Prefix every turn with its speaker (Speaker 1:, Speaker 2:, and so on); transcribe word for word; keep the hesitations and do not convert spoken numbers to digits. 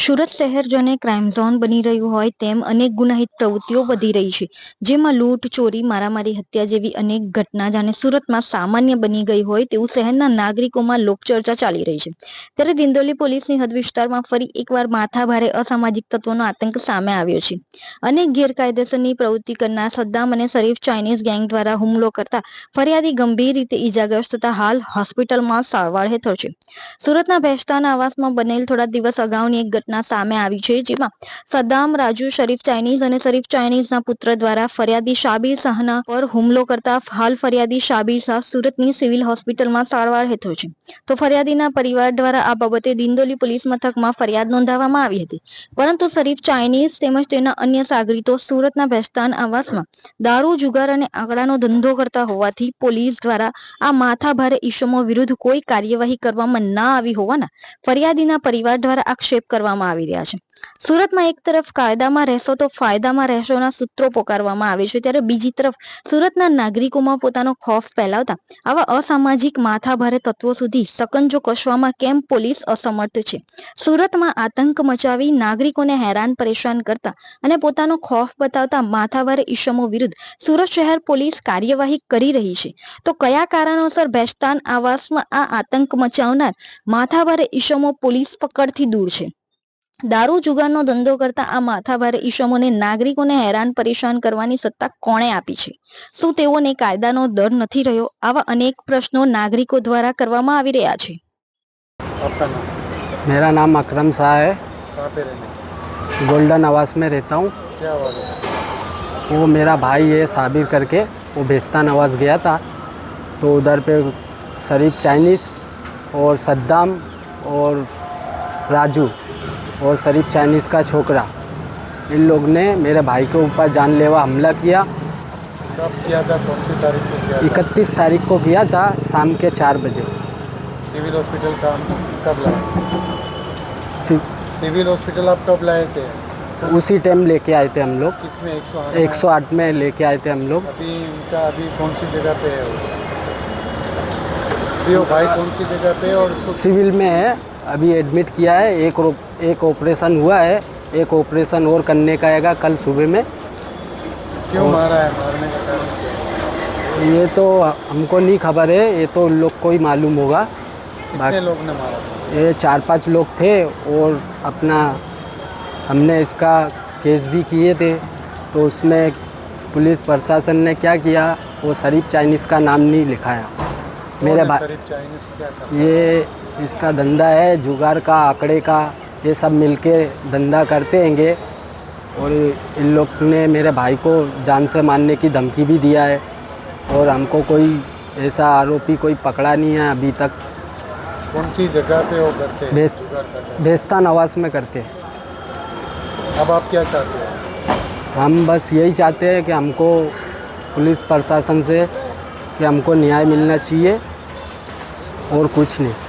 Speaker 1: સુરત શહેર જાણે crime zone બની રહ્યું હોય તેમ અનેક ગુનાહિત પ્રવૃત્તિઓ વધી રહી છે, જેમાં લૂંટ, ચોરી, મારામારી, હત્યા જેવી અનેક ઘટના જાણે સુરતમાં સામાન્ય બની ગઈ હોય તેવું શહેરના નાગરિકોમાં લોકચર્ચા ચાલી રહી છે. ત્યારે દિંડોલી પોલીસની હદ વિસ્તારમાં ફરી એકવાર માથાભારે અસામાજિક તત્વોનો આતંક સામે આવ્યો છે. અનેક ગેરકાયદેસરની પ્રવૃત્તિ કરનાર સદ્દામ અને શરીફ ચાઇનીઝ ગેંગ દ્વારા હુમલો કરતા ફરિયાદી ગંભીર રીતે ઈજાગ્રસ્ત થતા હાલ હોસ્પિટલમાં સારવાર હેઠળ છે. સુરતના ભેસ્તાન આવાસમાં બનેલ થોડા દિવસ અગાઉની એક ઘટના સામે આવી છે, જેમાં સદ્દામ, રાજુ, શરીફ ચાઇનીઝ અને શરીફ ચાઇનીઝના પુત્ર દ્વારા ફરિયાદી શાબીર શાહના પર હુમલો કરતા હાલ ફરિયાદી શાબીર શાહ સુરતની સિવિલ હોસ્પિટલમાં સારવાર હેઠળ છે. તો ફરિયાદીના પરિવાર દ્વારા આ બાબતે દિંડોલી પોલીસ મથકમાં ફરિયાદ નોંધાવવામાં આવી હતી, પરંતુ શરીફ ચાઇનીઝ તેમજ તેના અન્ય સાગરીતો સુરતના ભેસ્તાન આવાસમાં દારૂ, જુગાર અને આંકડાનો ધંધો કરતા હોવાથી પોલીસ દ્વારા આ માથાભારે ઇસમો વિરુદ્ધ કોઈ કાર્યવાહી કરવામાં ના આવી હોવાના ફરિયાદીના પરિવાર દ્વારા આક્ષેપ કરવામાં આવી રહ્યા છે. સુરતમાં એક તરફ કાયદામાં રહેશો તો ફાયદામાં રહેશોના સૂત્રો પોકારવામાં આવે છે, ત્યારે બીજી તરફ સુરતના નાગરિકોમાં પોતાનો ખોફ ફેલાવતા આવા અસામાજિક માથાભારે તત્વો સુધી સકંજો કસવામાં કેમ પોલીસ અસમર્થ છે? સુરતમાં આતંક મચાવી નાગરિકોને હેરાન પરેશાન કરતા અને પોતાનો ખોફ બતાવતા માથાભારે ઇસમો વિરુદ્ધ સુરત શહેર પોલીસ કાર્યવાહી કરી રહી છે, તો કયા કારણોસર ભેસ્તાન આવાસમાં આ આતંક મચાવનાર માથાભારે ઇસમો પોલીસ પકડથી દૂર છે? દારૂ, જુગારનો ધંધો કરતા આ માથાભારે ઇસમોને નાગરિકોને હેરાન પરેશાન કરવાની સત્તા કોણે આપી છે? શું તેઓને કાયદાનો ડર નથી રહ્યો? આવા અનેક પ્રશ્નો નાગરિકો દ્વારા કરવામાં આવી રહ્યા છે.
Speaker 2: मेरा नाम अकरम शाह है।
Speaker 3: कहाँ पे रहने?
Speaker 2: गोल्डन आवास में रहता हूँ।
Speaker 3: क्या हुआ है?
Speaker 2: वो मेरा भाई है साबिर करके, वो भेस्तान आवास गया था, तो उधर पे शरीफ चाइनीज़ और सद्दाम और राजू और शरीफ चाइनीज़ का छोकरा, इन लोग ने मेरे भाई के ऊपर जानलेवा हमला किया।
Speaker 3: कब किया था? कौन सी तारीख को किया था?
Speaker 2: इकतीस तारीख को किया था, शाम के चार बजे।
Speaker 3: सिविल हॉस्पिटल का कब लाए?
Speaker 2: सि-
Speaker 3: सिविल हॉस्पिटल आप कब लाए थे?
Speaker 2: उसी टाइम लेके आए थे हम लोग,
Speaker 3: किसमें? एक सौ
Speaker 2: एक सौ आठ में लेके आए थे हम लोग।
Speaker 3: अभी उनका अभी कौन सी जगह पे है वो? अभी वो भाई कौन सी जगह पे है और उसको
Speaker 2: सिविल में है, अभी एडमिट किया है। एक रो- एक ऑपरेशन हुआ है, एक ऑपरेशन और करने का आएगा कल सुबह में।
Speaker 3: क्यों मारा है? मारने का कारण क्या है?
Speaker 2: ये तो हमको नहीं खबर है, ये तो उन लोग को ही मालूम होगा।
Speaker 3: कितने लोग ने मारा था?
Speaker 2: ये चार पांच लोग थे और अपना हमने इसका केस भी किए थे, तो उसमें पुलिस प्रशासन ने क्या किया, वो शरीफ चाइनीज़ का नाम नहीं लिखाया। मेरे
Speaker 3: कौन है
Speaker 2: भाई
Speaker 3: शरीफ चाइनीज़? क्या करता है?
Speaker 2: ये इसका धंधा है जुगार का, आंकड़े का, ये सब मिलके धंधा करते हैंगे। और इन लोग ने मेरे भाई को जान से मारने की धमकी भी दिया है, और हमको कोई ऐसा आरोपी कोई पकड़ा नहीं है अभी तक।
Speaker 3: कौन सी जगह पे वो करते हैं?
Speaker 2: भेस-
Speaker 3: जुगाड़ करते हैं।
Speaker 2: भेस्तान आवास में करते हैं।
Speaker 3: अब आप क्या चाहते हो?
Speaker 2: हम बस यही चाहते हैं कि हमको पुलिस प्रशासन से कि हमको न्याय मिलना चाहिए, और कुछ नहीं।